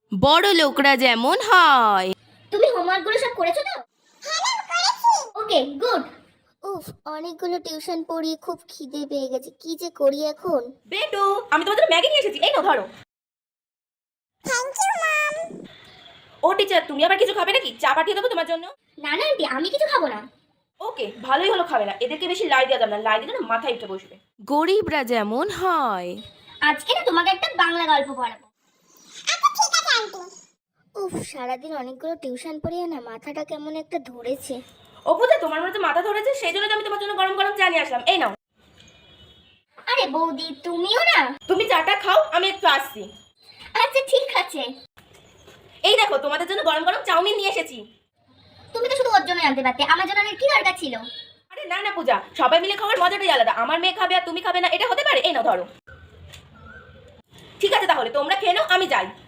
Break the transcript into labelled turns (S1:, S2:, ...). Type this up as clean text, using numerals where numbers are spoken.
S1: বড় লোকরা যেমন হয়।
S2: তুমি হোমওয়ার্কগুলো সব করেছো তো? হ্যাঁ ম্যাম, করেছি। Okay, good. উফ, অনেকগুলো টিউশন পড়িয়ে খুব খিদে পেয়ে গেছে, কি যে করি এখন।
S1: বেটু, আমি তোমার জন্য ম্যাগি নিয়ে এসেছি, এই নাও ধরো।
S2: Thank you ma'am.
S1: ও টিচার, তুমি আবার কিছু খাবে নাকি? চা পাঠিয়ে দেবো তোমার জন্য।
S2: না না আন্টি, আমি কিছু খাবো না।
S1: ওকে, ভালোই হলো খাবে না। এদেরকে বেশি লাই দেওয়া যাবে না, লাই দিলে না মাথায় উঠে বসবে। গরিবরা যেমন হয়।
S2: আজকে না তোমাকে একটা বাংলা গল্প পড়াবো। আচ্ছা ঠিক আছে আন্টি। উফ, সারাদিন অনেকগুলো টিউশন পড়িয়ে না মাথাটা কেমন একটা ধরেছে।
S1: ও পূজা, তোমার মনে তো মাথা ধরেছে, সেই জন্য তো আমি তোমার জন্য গরম গরম চা নিয়ে আসলাম, এই নাও।
S2: আরে বৌদি, তুমিও না?
S1: তুমি চাটা খাও, আমি একটু আসছি।
S2: আচ্ছা ঠিক আছে।
S1: এই দেখো, তোমাদের জন্য গরম গরম চাউমিন নিয়ে এসেছি।
S2: তুমি তো শুধু ওর জন্য আনতে পারতে, আমার জন্য আনার কি দরকার ছিল?
S1: আরে না না পূজা, সবাই মিলে খাওয়ার মজাটাই আলাদা। আমার মেয়ে খাবে আর তুমি খাবে না, এটা হতে পারে? এই নাও ধরো। ঠিক আছে তাহলে তোমরা খেয়ে নাও, আমি যাই।